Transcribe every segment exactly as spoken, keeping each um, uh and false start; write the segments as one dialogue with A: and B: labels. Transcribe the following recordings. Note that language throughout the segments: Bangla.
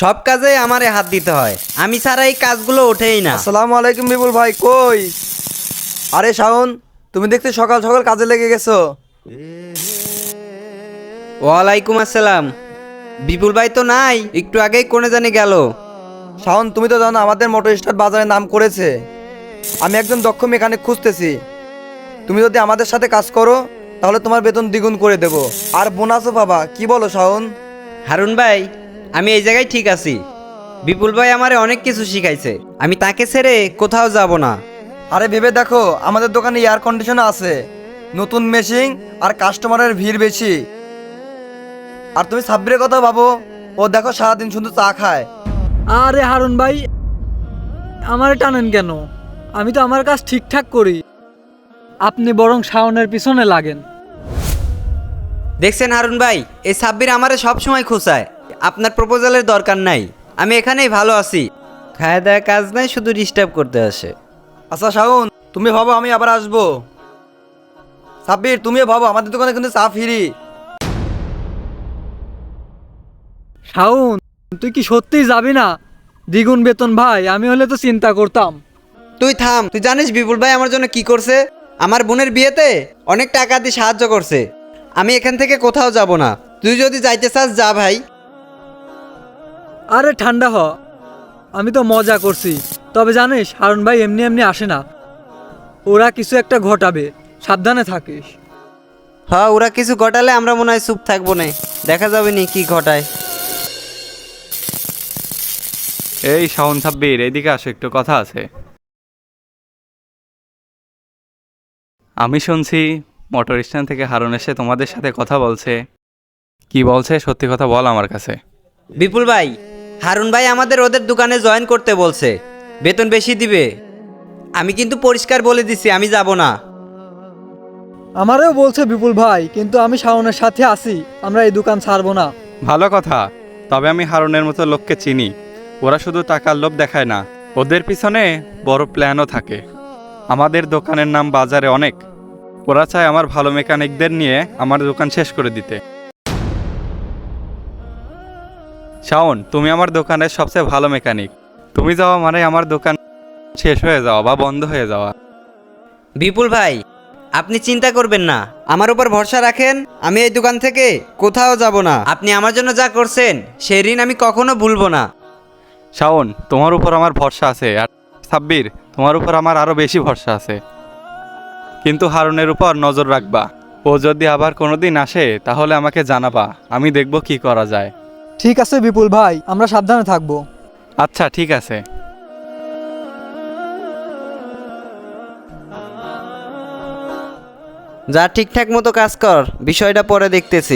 A: সব কাজে আমারে হাত দিতে হয়, আমি ছাড়া এই কাজগুলো ওঠেই না।
B: আসসালামু আলাইকুম বিপুল ভাই, কই? আরে শাওন, তুমি দেখতে সকাল সকাল কাজে লেগে গেছো।
A: ওয়ালাইকুম আসসালাম। বিপুল ভাই তো নাই, একটু আগেই কোনে জানি গেল।
B: শাওন, তুমি তো জানো আমাদের মোটর স্টার্ট বাজারে নাম করেছে। আমি একজন দক্ষ মেকানিক খুঁজতেছি। তুমি যদি আমাদের সাথে কাজ করো তাহলে তোমার বেতন দ্বিগুণ করে দেব, আর বোনাসও পাবা। কি বলো শাওন?
A: হারুন ভাই, আমি এই জায়গায় ঠিক আছি। বিপুল ভাই আমারে অনেক কিছু শিখাইছে, আমি তাকে ছেড়ে কোথাও যাব না।
B: আরে ভেবে দেখো, আমাদের দোকানে এয়ার কন্ডিশনার আছে, নতুন মেশিন, আর কাস্টমারের ভিড় বেশি। আর তুমি সাব্বিরের কথা ভাবো, ও দেখো সারাদিন শুধু চা খায়।
C: আরে হারুন ভাই, আমারে টানেন কেন? আমি তো আমার কাজ ঠিকঠাক করি, আপনি বরং শাওনের পিছনে লাগেন।
A: দেখছেন হারুন ভাই, এই সাব্বির আমারে সব সময় খোঁচায়। আপনার প্রপোজালের দরকার নাই, আমি এখানেই ভালো আছি। খাওয়া দাওয়া কাজ নাই, শুধু ডিস্টার্ব করতে আসে।
B: আচ্ছা শাওন, তুমি ভাবো আমি আবার আসবো। সাব্বির, তুমিও ভাবো, আমাদের দোকানে কিন্তু চা ফ্রি।
C: শাওন, তুই কি সত্যিই যাবি না? দ্বিগুণ বেতন ভাই, আমি হলে তো চিন্তা করতাম।
A: তুই থাম, তুই জানিস বিপুল ভাই আমার জন্য কি করছে? আমার বোনের বিয়েতে অনেক টাকা দিয়ে সাহায্য করছে। আমি এখান থেকে কোথাও যাব না, তুই যদি যাইতে চাস যা ভাই।
C: আরে ঠান্ডা হ, আমি তো মজা করছি। তবে জানিস হারুন ভাই এমনি এমনি আসে না, ওরা কিছু একটা ঘটাবে, সাবধানে থাকিস।
A: হ্যাঁ, ওরা কিছু ঘটালে আমরা মনে হয় চুপ থাকবো না, দেখা যাবে নি কি ঘটায়।
D: এই শাওন সাব্বির, এইদিকে আসো, একটু কথা আছে। আমি শুনছি মোটর স্ট্যান্ড থেকে হারুন এসে তোমাদের সাথে কথা বলছে। কি বলছে সত্যি কথা বল আমার কাছে।
A: বিপুল ভাই, হারুন ভাই আমাদের ওদের দোকানে জয়েন করতে বলছে, বেতন বেশি দিবে। আমি কিন্তু পরিষ্কার বলে দিছি আমি যাব না।
C: আমারও বলছে বিপুল ভাই, কিন্তু আমি শাওনের সাথে আছি, আমরা এই দোকান ছাড়বো না।
D: ভালো কথা, তবে আমি হারুনের মতো লোককে চিনি। ওরা শুধু টাকার লোভ দেখায় না, ওদের পিছনে বড় প্ল্যানও থাকে। আমাদের দোকানের নাম বাজারে অনেক। ওরা চায় আমার ভালো মেকানিকদের নিয়ে আমার দোকান শেষ করে দিতে। শাওন, তুমি আমার দোকানের সবচেয়ে ভালো মেকানিক। তুমি যাওয়া মানে আমার দোকান শেষ হয়ে যাওয়া বা বন্ধ হয়ে যাওয়া।
A: বিপুল ভাই, আপনি চিন্তা করবেন না, আমার উপর ভরসা রাখেন। আমি এই দোকান থেকে কোথাও যাব না। আপনি আমার জন্য যা করছেন সেই ঋণ আমি কখনো ভুলবো না।
D: শাওন, তোমার উপর আমার ভরসা আছে, আর সাব্বির, তোমার উপর আমার আরও বেশি ভরসা আছে। কিন্তু হারুনের উপর নজর রাখবা। ও যদি আবার কোনোদিন আসে তাহলে আমাকে জানাবা, আমি দেখব কি করা যায়।
C: ঠিক আছে বিপুল ভাই, আমরা সাবধানে থাকবো।
D: আচ্ছা ঠিক আছে।
A: যা ঠিকঠাক মতো কাজ কর, বিষয়টা পরে দেখতেছি।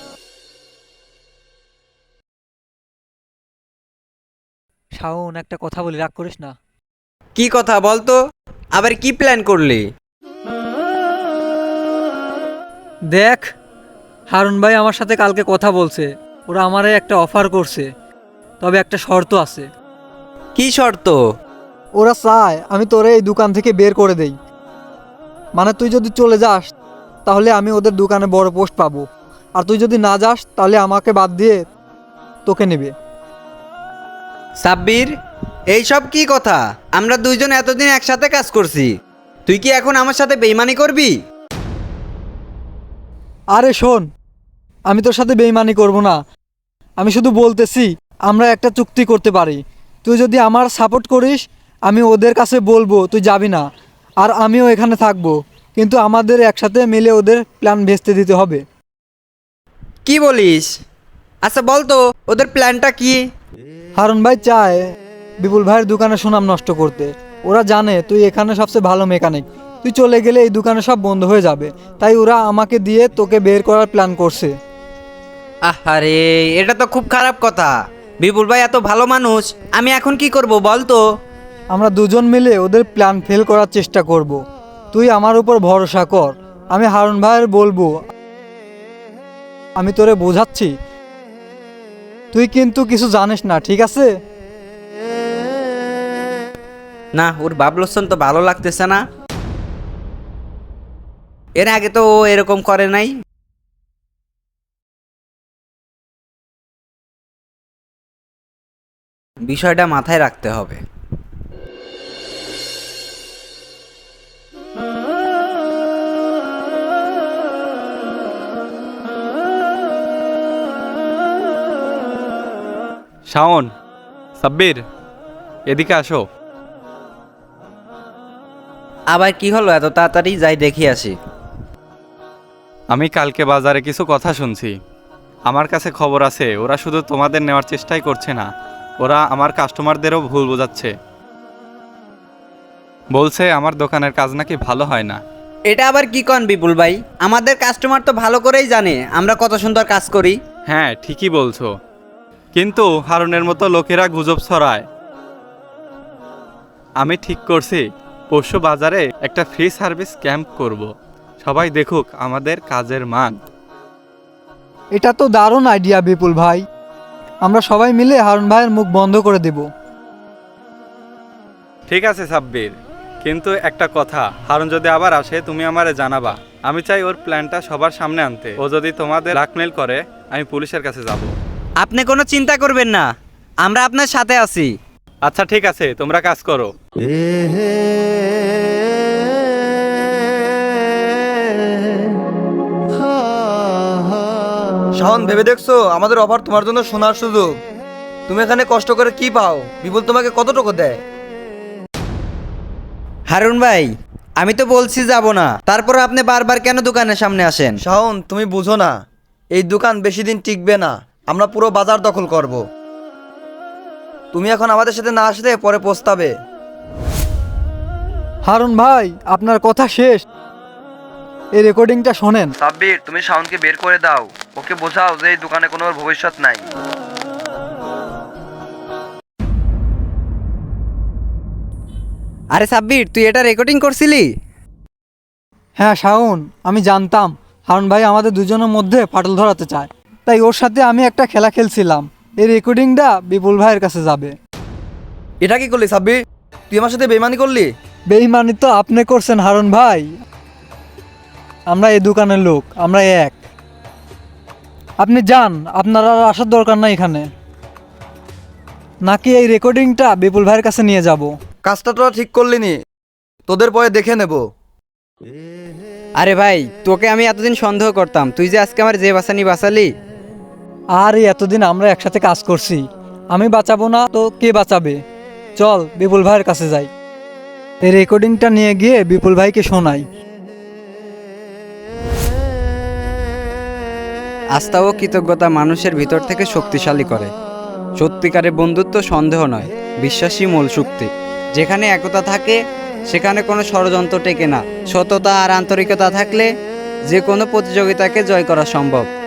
C: শাওন, একটা কথা বলি, রাগ করিস না।
A: কি কথা বলতো, আবার কি প্ল্যান করলি?
C: দেখ, হারুন ভাই আমার সাথে কালকে কথা বলছে, ওরা আমারে একটা অফার করছে, তবে একটা শর্ত আছে।
A: কি শর্ত?
C: ওরা চায় আমি তোরে এই দোকান থেকে বের করে দেই। মানে তুই যদি চলে যাস তাহলে আমি ওদের দোকানে বড় পোস্ট পাবো, আর তুই যদি না যাস তাহলে আমাকে বাদ দিয়ে তোকে নেবে।
A: সাব্বির, এইসব কি কথা? আমরা দুইজন এতদিন একসাথে কাজ করছি, তুই কি এখন আমার সাথে বেইমানি করবি?
C: আরে শোন, আমি তোর সাথে বেইমানি করব না, আমি শুধু বলতেছি আমরা একটা চুক্তি করতে পারি। তুই যদি আমার সাপোর্ট করিস আমি ওদের কাছে বলবো তুই যাবি না, আর আমিও এখানে থাকবো, কিন্তু আমাদের একসাথে মিলে ওদের প্ল্যান ভেস্তে দিতে হবে।
A: কি বলিস? আচ্ছা বলতো ওদের প্ল্যানটা কি?
C: হারুন ভাই চায় বিপুল ভাইয়ের দোকানে সুনাম নষ্ট করতে। ওরা জানে তুই এখানে সবচেয়ে ভালো মেকানিক, তুই চলে গেলে এই দোকানে সব বন্ধ হয়ে যাবে, তাই ওরা আমাকে দিয়ে তোকে বের করার প্ল্যান করছে।
A: আরে এটা তো খুব খারাপ কথা। বিপুল ভাই এত ভালো মানুষ, আমি এখন কি করব বলতো?
C: আমরা দুজন মিলে ওদের প্ল্যান ফেল করার চেষ্টা করব। তুই আমার উপর ভরসা কর, আমি হারুন ভাইয়ের বলবো, আমি তোরে বোঝাচ্ছি, তুই কিন্তু কিছু জানিস না, ঠিক আছে?
A: না, ওর বাবলসন তো ভালো লাগতেছে না। এর আগে তো ও এরকম করে নাই। বিষয়টা মাথায় রাখতে হবে।
D: শাওন, সাব্বির, এদিকে আসো।
A: আবার কি হলো এত তাড়াতাড়ি? যাই দেখি আসি।
D: আমি কালকে বাজারে কিছু কথা শুনছি। আমার কাছে খবর আছে ওরা শুধু তোমাদের নেওয়ার চেষ্টাই করছে না, ওরা আমার কাস্টমারদেরও ভুল বোঝাচ্ছে। বলছে আমার দোকানের কাজ নাকি ভালো হয় না।
A: এটা আবার কি কন বিপুল ভাই? আমাদের কাস্টমার তো ভালো করেই জানে আমরা কত সুন্দর কাজ করি।
D: হ্যাঁ, ঠিকই বলছো, কিন্তু হারুনের মতো লোকেরা গুজব ছড়ায়। আমি ঠিক করছি পরশু বাজারে একটা ফ্রি সার্ভিস ক্যাম্প করব। সবাই দেখুক আমাদের কাজের মান।
C: এটা তো দারুণ আইডিয়া বিপুল ভাই। আমরা সবাই মিলে হারুন ভাইয়ের মুখ বন্ধ করে দেব।
D: ঠিক আছে সাব্বির, কিন্তু একটা কথা, হারুন যদি আবার আসে তুমি আমারে জানাবা। আমি চাই ওর প্ল্যানটা সবার সামনে আনতে। ও যদি তোমাদের ব্ল্যাকমেল করে আমি পুলিশের কাছে যাব।
A: আপনি কোনো চিন্তা করবেন না, আমরা আপনার সাথে আছি।
D: আচ্ছা ঠিক আছে, তোমরা কাজ করো।
B: শাওন, ভেবে দেখছো আমাদের অফার তোমার জন্য শোনার সুযোগ? তুমি এখানে কষ্ট করে কি পাও? বিপুল তোমাকে কত টাকা দেয়?
A: হারুন ভাই, আমি তো বলছি যাব না, তারপর আপনি বারবার কেন দোকানের সামনে আসেন?
B: শাওন, তুমি বুঝো না, এই দোকান বেশি দিন টিকবে না। আমরা পুরো বাজার দখল করব। তুমি এখন আমাদের সাথে না আসলে পরে পস্তাবে।
C: হারুন ভাই, আপনার কথা শেষ। এই রেকর্ডিংটা শোনেন।
B: সাব্বির, তুমি শাওনকে বের করে দাও। ওকে বোঝাও যে এই দোকানে কোনো ওর ভবিষ্যৎ নাই।
A: আরে সাব্বির, তুই এটা রেকর্ডিং করছিলি?
C: হ্যাঁ শাওন, আমি জানতাম হারুন ভাই আমাদের দুজনের মধ্যে ফাটল ধরাতে চায়, তাই ওর সাথে আমি একটা খেলা খেলছিলাম। এই রেকর্ডিংটা বিপুল ভাইয়ের কাছে যাবে।
B: এটা কি করলি সাব্বির? তুই আমার সাথে বেইমানি করলি?
C: বেইমানি তো আপনি করছেন হারুন ভাই। আমরা এই দোকানের লোক, আমরা এক। আপনি যান, আপনার আর আসার দরকার নাই এখানে। নাকি এই রেকর্ডিংটা বিপুল ভাইয়ের কাছে নিয়ে যাব?
B: কাজটা তোরা ঠিক করলি নি, তোদের পরে দেখে নেব।
A: আরে ভাই, তোকে আমি এতদিন সন্দেহ করতাম, তুই যে আজকে আমার যে বাঁচানি বাঁচালি।
C: আর এই এতদিন আমরা একসাথে কাজ করছি, আমি বাঁচাবো না তো কে বাঁচাবে? চল বিপুল ভাইয়ের কাছে যাই, এই রেকর্ডিংটা নিয়ে গিয়ে বিপুল ভাইকে শোনাই।
A: আস্থা ও কৃতজ্ঞতা মানুষের ভিতর থেকে শক্তিশালী করে। সত্যিকারের বন্ধুত্ব সন্দেহ নয়, বিশ্বাসী মূল শক্তি। যেখানে একতা থাকে সেখানে কোনো ষড়যন্ত্র টেকে না। সততা আর আন্তরিকতা থাকলে যে কোনো প্রতিযোগিতাকে জয় করা সম্ভব।